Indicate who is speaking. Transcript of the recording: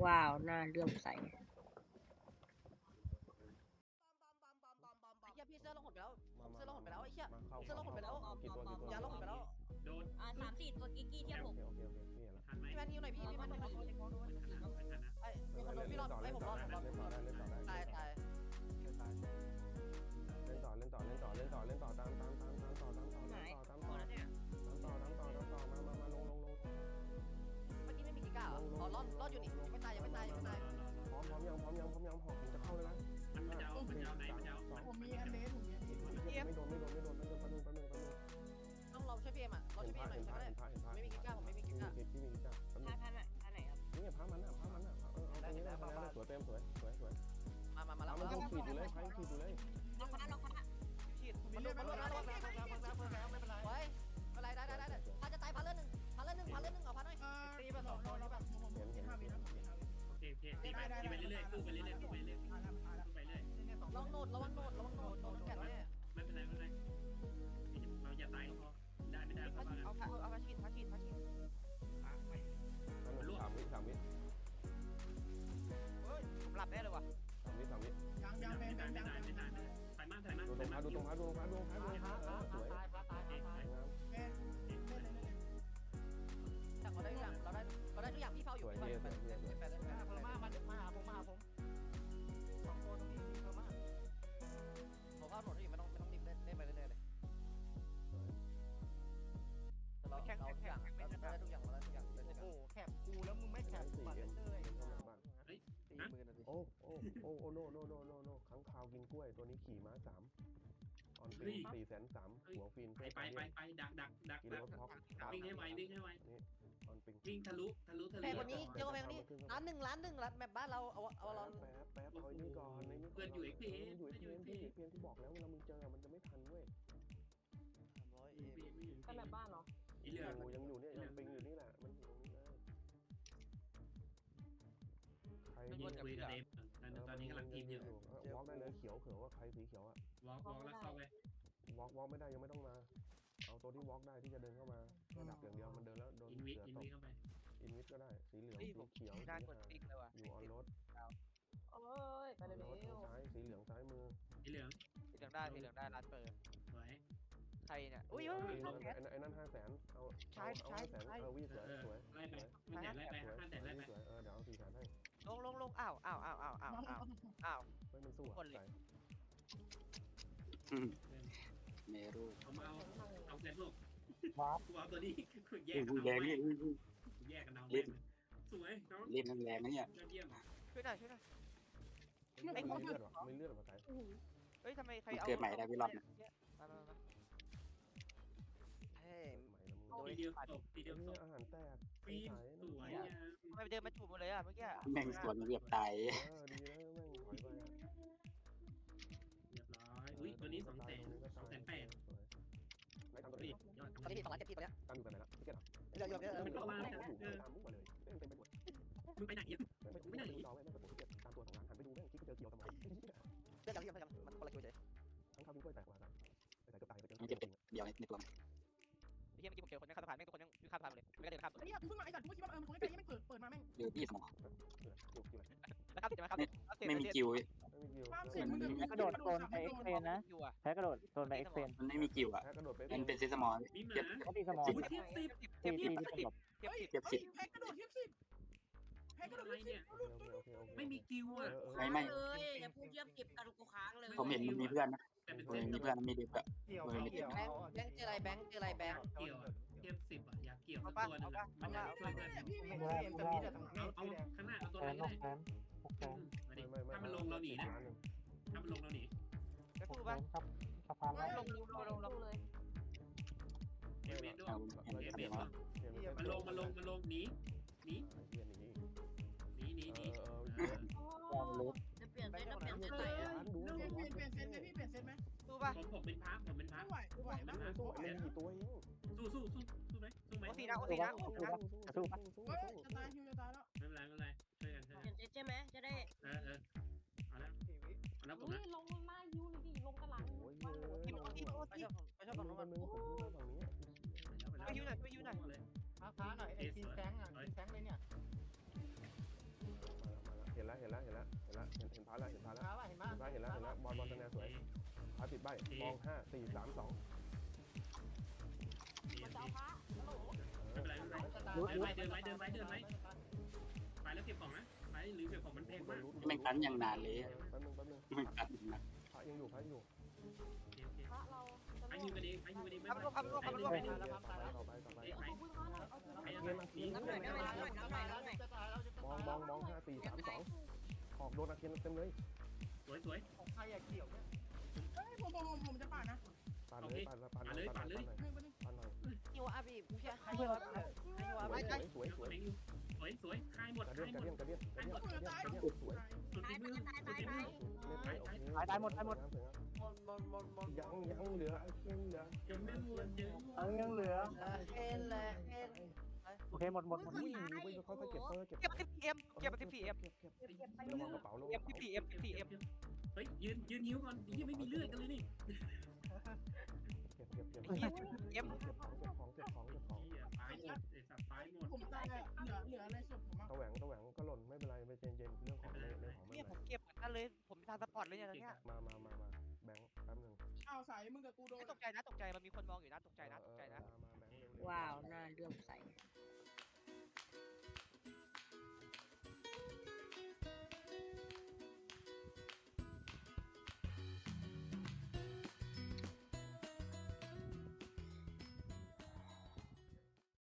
Speaker 1: ว้าวน่าเลื่อมใส
Speaker 2: ไอ้เหี้ยพี่เสื้อลงหดไปแล้วเสื้อลงหดไปแล้วไอ้เหี้ย
Speaker 3: มาเข้า
Speaker 2: เสื้อลงหดไปแล้ว
Speaker 3: กี่ตัว
Speaker 2: ยาลงหดไปแล้ว
Speaker 4: โดน
Speaker 1: 3-4 ตัวกิ๊กกี้เทียบผม
Speaker 3: โอเคพี่เห็นแล้ว
Speaker 4: ทันไหม
Speaker 2: พี่แมนฮิวหน่อยพี่แมนฮิวหน่อย
Speaker 4: ไม่ทันนะ
Speaker 2: ไอ้มีคนโดนพี่รอดไอ้ผมรอด
Speaker 3: เล่นต่อได้
Speaker 2: ตาย
Speaker 3: เล่นต่อตามต่อมาลง
Speaker 2: เมื่อกี้ไม่มีกิก้าเหรออ๋อรอดอยู่นี่ไม่ตายยังไม่ตาย
Speaker 3: พร้อมยังหอกผมจะเข้าเลยนะ
Speaker 4: มันจะเอาไหนมันจะเอา
Speaker 5: ผมมีอันเดสผมมีอันเดส
Speaker 3: ไม่โดนแป๊บนึง
Speaker 2: ต้องเราช่วยพี่เอ็มอ่ะเราช่วยพี่เอ็มหน่อยใช่ไหมไม่มีกิก้าผมไม่มีกิก้า
Speaker 3: พี่มีกิก้า
Speaker 1: ท่าไหนครับ
Speaker 3: นี่พามันเอาตรงนี้ได้สวยเต็มสวย
Speaker 2: มาแล้ว
Speaker 3: มันต้องขีดอยู่เลยใช้ขีดอยู่เลย
Speaker 1: ล็อกพระ
Speaker 2: ฉีดมันโดนไว้อะไรได้พาจะตายพาเลื่อนหนึ่งเอาพาหน่อย
Speaker 5: ตีไป2 ตัวแล้วแบบผม5 วินะ
Speaker 4: โอเคตีไปเรื่อยๆสู้ไปเรื่อยๆไปเรื่อยๆ
Speaker 2: ระวังโนดโดนแก่แน่
Speaker 4: ไม่เป็นไรเราอย่าตายก็พอได้ไม่ได้เพราะว่า
Speaker 2: เอาพาฉีด
Speaker 3: 3 วิ
Speaker 2: ผมหลับแน่เลยว่ะ
Speaker 3: 3 วิ
Speaker 5: ยังแมน
Speaker 4: ไม่ตายไปมาก
Speaker 3: ดูตรงพาสวย
Speaker 2: แต่เราได้ทุกอย่างเราได้ทุกอย่างพี่เฝ้าอยู่พี่ไปเลย
Speaker 5: เพอร์มามาหาผม2 ตัวตรงนี้เพอร์มา
Speaker 2: ผมเฝ้าโนดที่ไม่ต้องรีบเล่นไปเรื่อยๆเลยเราทุกอย่างเราได้ทุกอย่างเล่นด้วยกัน
Speaker 5: โอ้แคบกูแล้วมึงไม่แคบบัตรเลย
Speaker 3: โอ้โนค้างคาวกินกล้วยตัวนี้ขี่ม้า3ออนปี403,000หัวฟิน
Speaker 4: ไปดัก
Speaker 3: กินรถท็อป
Speaker 4: วิ่งให้ไว
Speaker 3: นี่ออนปิง
Speaker 4: วิ่งทะลุ
Speaker 2: แพงกว่านี้เยอะกว่าแพงกว่านี้ล้านหนึ่งแมปบ้านเราเอาเรา
Speaker 3: แป๊บเอานี่ก่อนอยู่ไอ้เพียนที่บอกแล้วเวลามึงเจอมันจะไม่ทันเว้ย
Speaker 1: เป็นแบบบ้านเหรอ
Speaker 4: อีเหลือ
Speaker 3: ยังอยู่เนี่ยยังปิงอยู่นี่แหละมันอยู่ตรงนี้เลยใคร
Speaker 4: ยิงคุยกับเดมตอนนี้กำลังทีมอยู่
Speaker 3: วอล์กได้เลยเขียวเผื่อว่าใครสีเขียวอะ
Speaker 4: วอล์กแล้วเข้าไป
Speaker 3: วอล์กไม่ได้ยังไม่ต้องมาเอาตัวที่วอล์กได้ที่จะเดินเข้ามาระดับอย่างเดียวมันเดินแล้วโดน
Speaker 4: อินวิ
Speaker 3: เสือตก
Speaker 4: เข้าไป
Speaker 3: อินวิทก็ได้สีเหลืองสีเขียวอยู่ออนรถ
Speaker 1: โอ้ยไปเร็ว
Speaker 3: ซ้ายสีเหลืองซ้ายมือ
Speaker 4: อีเหลือง
Speaker 2: ได้ร้านเปิด
Speaker 4: สวย
Speaker 2: ใครเนี่ย
Speaker 3: ไอ้นั่น500,000เอา500,000วิ่งสวย
Speaker 4: ไล่ไปไม่ไหนไล่ไป5แต่ไล่ไป
Speaker 3: เดี๋ยวเอา400,000ให้
Speaker 2: ลงอ้าว
Speaker 3: มันสู้อ่ะ
Speaker 6: เมรู
Speaker 4: เอาแต่ลูกกูเอาตัวนี้แยกกัน
Speaker 6: แรง
Speaker 4: เอา
Speaker 6: เนี่ย
Speaker 4: แยกกันเอาเล่นสวยน้อง
Speaker 6: เล่นแรงนะเนี่ย
Speaker 4: ยอดเยี่ยม
Speaker 2: ช่วยหน่อย
Speaker 3: ไม่เลือดหรอไม่เลือดหรอไก่
Speaker 2: เฮ้ยทำไมใครเอา
Speaker 6: เกิดใหม่ได้พี่รอบนะ
Speaker 2: มาเฮ้ย
Speaker 3: ใหม่แล้วมึง
Speaker 4: ทีเดียวตกทีเดียวตก
Speaker 3: อาหารแตก
Speaker 4: ฟีนสวย
Speaker 2: ทำไมเดินมาจูบหมดเลยอ่ะเมื่อกี้
Speaker 6: แม่งสวนเรียบตาย
Speaker 3: ดีแล้วแม่งถอยไป
Speaker 4: เรียบร้อยอุ้ยตัวนี้200,000
Speaker 3: ไม่ทำตัว
Speaker 4: รี
Speaker 3: นี้
Speaker 4: บยอด
Speaker 2: ตอนนี้2 ล้าน7 ที่ตอนนี้
Speaker 3: ตั้งอยู่กันไหนละพี่เกด
Speaker 2: เยอะ
Speaker 4: มันเข้ามา
Speaker 3: ตามมุ้งมาเลยเต็มไปหมด
Speaker 4: มึงไปไหนอ่ะ
Speaker 3: ไม่ได้จอแม่งแบบผมตามตัว2 ล้านหันไปดูแม่งคิดไปเจอเกี่ยวทำไม
Speaker 2: เรื่องกันมันคนละคิวเฉย
Speaker 3: ทั้งข้าวกินกล้วยแตกกว่ากันแต่เกือบตายไปเจอ
Speaker 6: มันจะเป็นเดียวในตัว
Speaker 2: เมื่อกี้ผมเจอคนยังข้ามสะพานแม่งทุกคนยังข้ามสะพานเลยไม่ได้เดินข้าม
Speaker 5: ไอ้เนี่ยกูเพิ่งมาไอ้สัตว์กูคิดว่ามันคงใกล้ยังไม่เปิดมาแม่ง
Speaker 6: เดี๋ยวพี่สมอง
Speaker 2: แล้วข้ามติดไหมครับ
Speaker 6: ไม่มีกิว
Speaker 5: ความเสี่ยงมึง
Speaker 7: กระโดดโซนไปเอ็กเซนนะ
Speaker 2: อยู่อ่ะ
Speaker 7: แพ้กระโดดโซนไปเอ็กเซน
Speaker 6: มันไม่มีกิวอ่ะ
Speaker 3: แพ้กระโดดไป
Speaker 6: มันเป็นเซสมอล
Speaker 4: มีหมา
Speaker 7: เขาตีสมอง
Speaker 4: เทียบสิบ
Speaker 7: ตีที่สลบ
Speaker 5: เฮ้ยแพ้กระโดดเทียบ10แพ้กระโดด
Speaker 4: อะไร
Speaker 5: เทียบ
Speaker 4: เนี่ยไม่มีกิวอ่ะ
Speaker 6: ไม่
Speaker 1: เลยอย่าพูดเยี่ยมเก็บกันกูค้างเลย
Speaker 6: ผมเห็นมันมีเพื่อนนะ
Speaker 4: แต่เป็น
Speaker 6: ผม
Speaker 4: เส้น
Speaker 6: เห็นมีเพื่อนมีดิบอะ
Speaker 5: เกี่ยว
Speaker 2: แบงค์เจออะไรแบงค์
Speaker 4: เกี่ยวเทียบ10อ่ะอยากเกี่ยวสักตัวนึงมันอยากช่วยเพื่อน
Speaker 5: พี่ไม่เห็นแต่มีแต่ตรงนี้
Speaker 4: เอาข้างหน้าเอาตัว
Speaker 7: แพ้
Speaker 4: ไหน
Speaker 7: น
Speaker 4: ก็
Speaker 7: อก
Speaker 4: ได้
Speaker 7: แพ้6 แพ้
Speaker 4: มาดิถ้ามันลงเราหนีนะถ้ามันลงเราหนี
Speaker 2: ไปพูด
Speaker 7: แพ้
Speaker 2: ป่ะ
Speaker 7: ครับสะพานแล้ว
Speaker 2: ลงเลย
Speaker 4: เอเมนด้วยเอเมนด้วยมันลงหนีหนี
Speaker 3: เย็นอย่างนี้
Speaker 7: วางลุก
Speaker 1: จะเปลี่ยนเส้นเส้นไหน
Speaker 3: ดู
Speaker 5: เปลี่ยนเซนไหมพี่เปลี่ยนเซนไหม
Speaker 2: พูดป่ะ
Speaker 4: ผมเป็นพระ
Speaker 5: ไม่ไหวนะ
Speaker 3: สู้เล่นกี่ตัวเอง
Speaker 4: สู้ไหม
Speaker 2: โอซีนะ
Speaker 5: เฮ้ยจะตายฮิวจะตายแล้ว
Speaker 4: ไม่เป็นไรช่วยกัน
Speaker 1: เปลี่ยนเส้นใช่ไหมจะได้
Speaker 4: เอาแล้วผมนะ
Speaker 8: ลงหน้ายูเลยดิลงกระหลัง
Speaker 3: โอ้ย
Speaker 2: ไปชอบฝั่งนู้น
Speaker 3: มันมึงผมฝั่งนี้
Speaker 2: ไปยูหน่อย
Speaker 5: ท้าหน่อยไอ้ทีแซงอ่ะทีแซงเลยเนี่ย
Speaker 3: เห็นแล้วเห็นพาแล้วเห็นพาแล้ว
Speaker 5: มาป่ะเห็นป่ะ
Speaker 3: เห็นแล้วบอลคะแนนสวยพาติดใบมอง5 4 3 2
Speaker 8: มันจะเอาพระฮัลโหล
Speaker 4: ไม่เป็นไรไม่เป็นไรเดินไว้ไปแล้วเก็บของนะไปหรือเก็บของมันแพงมาก
Speaker 6: แม่งกันอย่างนานเลย
Speaker 3: แป๊บนึง
Speaker 6: แม่งกันอย่างนาน
Speaker 3: พระยังอยู่
Speaker 8: พระเราจะ
Speaker 4: ไป
Speaker 8: เลิ
Speaker 4: ยิง
Speaker 8: ก
Speaker 4: กันเองไปยิงกันเองไม่
Speaker 2: พับรวบ
Speaker 3: ต่อไป
Speaker 8: เอาคุณพระหน่อยเอาคุณ
Speaker 3: เงี้ยนะมอง5 4 3 2ออกโดนอาเคียนเต็มเลย
Speaker 4: สวย
Speaker 5: ของใครอะเกี่ยวเนี่ย
Speaker 1: ผมจะปาดนะ
Speaker 3: ปานเลยปานหน่อย
Speaker 2: ฮิวอาบีกูเพี้ย
Speaker 7: ให้เพื่อน
Speaker 2: ฮิวอาบี
Speaker 3: สวย
Speaker 4: คายหมด
Speaker 3: กระเดียนสวย
Speaker 4: สุดฝีมือ
Speaker 7: ตายหมด
Speaker 3: ยังเหลือไอ้เคียนเหลือ
Speaker 4: ยังไม่หมด
Speaker 7: ยังเหลือ
Speaker 2: เอ็นแหละเอ็น
Speaker 7: โอเคหมด
Speaker 3: วิ่งไปเขาเก็บเก็บ
Speaker 2: เก็บ14M เก็บ 14M
Speaker 3: ระวังกระเป๋าลง
Speaker 2: 14M 14M
Speaker 4: เฮ้ยยืนหิวก่อนยังไม่มีเลือดกันเลยนี่
Speaker 3: เก็บของ
Speaker 4: ตายหมดไอ้สัตว์ตายหมด
Speaker 1: ผมตายเหลืออะไรศพผมอ่ะ
Speaker 3: ตะแหวงก็หล่นไม่เป็นไรไม่เย็นเรื่องของไม่
Speaker 2: เนี่ยผมเก็บเหมือนกันเลยผมทางสปอร์ตเลยเนี่ยตอนเนี้ย
Speaker 3: มาแบงค์แป๊บนึง
Speaker 1: อ้าวสายมึงกับกูโดน
Speaker 2: ตกใจนะมันมีคนมองอยู่นะตกใจนะ
Speaker 3: มาแบงค์
Speaker 1: ว้าวน่าเลื่อมใส